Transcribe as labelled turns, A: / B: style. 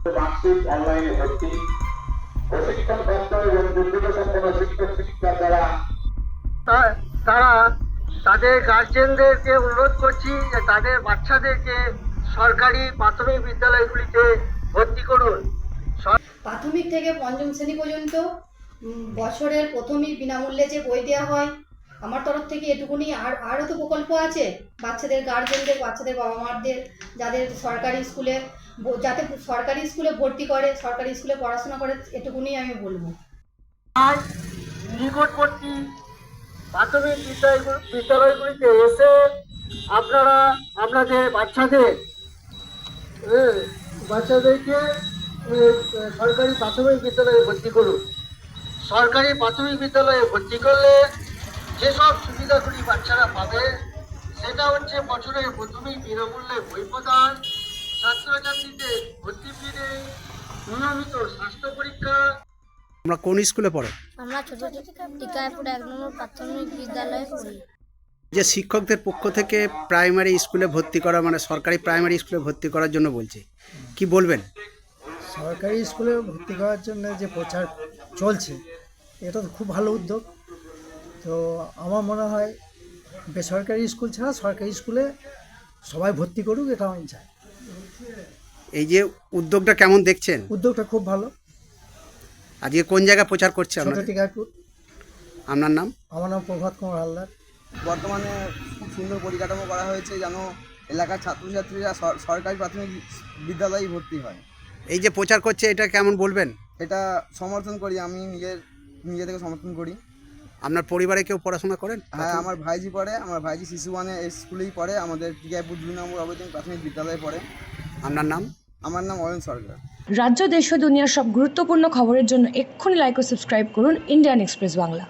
A: Marksheet অনলাইনে ভর্তি, প্রশিক্ষণ প্রাপ্ত এবং যোগ্যতা সম্পন্ন শিক্ষক শিক্ষিকা দ্বারা
B: তারা তাদের গার্জেনদেরকে অনুরোধ করছি যে তাদের বাচ্চাদেরকে সরকারি প্রাথমিক বিদ্যালয়গুলিতে ভর্তি করুন।
C: প্রাথমিক থেকে পঞ্চম শ্রেণী পর্যন্ত বছরের প্রথমেই বিনামূল্যে যে বই দেওয়া হয়, আমার তরফ থেকে এটুকুনি। আরও তো প্রকল্প আছে বাচ্চাদের গার্জেনদের, বাচ্চাদের বাবা মাদের, যাদের সরকারি স্কুলে, যাতে সরকারি স্কুলে ভর্তি করে, সরকারি স্কুলে পড়াশোনা করে, এটুকুনি আমি বলবো।
B: আজ নিকটবর্তী প্রাথমিক বিদ্যালয়গুলিতে এসে আপনারা আপনাদের বাচ্চাদেরকে সরকারি প্রাথমিক বিদ্যালয়ে ভর্তি করুন। সরকারি প্রাথমিক বিদ্যালয়ে ভর্তি করলে যেসব সুবিধাগুলি বাচ্চারা পাবে সেটা হচ্ছে বছরের প্রথমেই বিনামূল্যে বই প্রদান, ছাত্রছাত্রীদের ভর্তি ফি নেই, নিয়মিত স্বাস্থ্য পরীক্ষা।
D: আমরা কোন স্কুলে পড়ো?
E: আমরা ছোট টিকায়পুর 1 নম্বর প্রাথমিক বিদ্যালয়ে পড়ি।
D: যে শিক্ষকদের পক্ষ থেকে প্রাইমারি স্কুলে ভর্তি করা, মানে সরকারি প্রাইমারি স্কুলে ভর্তি করার জন্য বলছে, কি বলবেন?
F: সরকারি স্কুলে ভর্তি করার জন্য যে প্রচার চলছে, এটা তো খুব ভালো উদ্যোগ। তো আমার মনে হয় বেসরকারি স্কুল ছাড়া সরকারি স্কুলে সবাই ভর্তি করুক, এটা আমি চাই।
D: এই যে উদ্যোগটা কেমন দেখছেন?
F: উদ্যোগটা খুব ভালো।
D: আজকে কোন জায়গায় প্রচার করছে
F: ছোট
D: আপনাদের?
F: টিকায়পুর।
D: আপনার নাম?
F: আমার নাম প্রভাত কুমার হালদার।
G: বর্তমানে খুব সুন্দর পরিকাঠামো করা হয়েছে যেন এলাকার ছাত্রছাত্রীরা সরকারি প্রাথমিক বিদ্যালয়ে ভর্তি হয়।
D: এই যে প্রচার করছে, এটা কেমন বলবেন?
G: এটা সমর্থন করি, আমি নিজে থেকে সমর্থন করি।
D: আপনার পরিবারে কেউ পড়াশোনা করেন?
G: হ্যাঁ, আমার ভাইজি পড়ে। আমার ভাইজি শিশু ওয়ানে স্কুলেই পড়ে, আমাদের টিকায়পুর 2 নম্বর অবৈতনিক প্রাথমিক বিদ্যালয়ে পড়ে।
D: আপনার নাম?
G: আমার নাম অয়ন সরকার।
H: রাজ্য, দেশ ও দুনিয়ার সব গুরুত্বপূর্ণ খবরের জন্য এক্ষুনি লাইক ও সাবস্ক্রাইব করুন ইন্ডিয়ান এক্সপ্রেস বাংলা।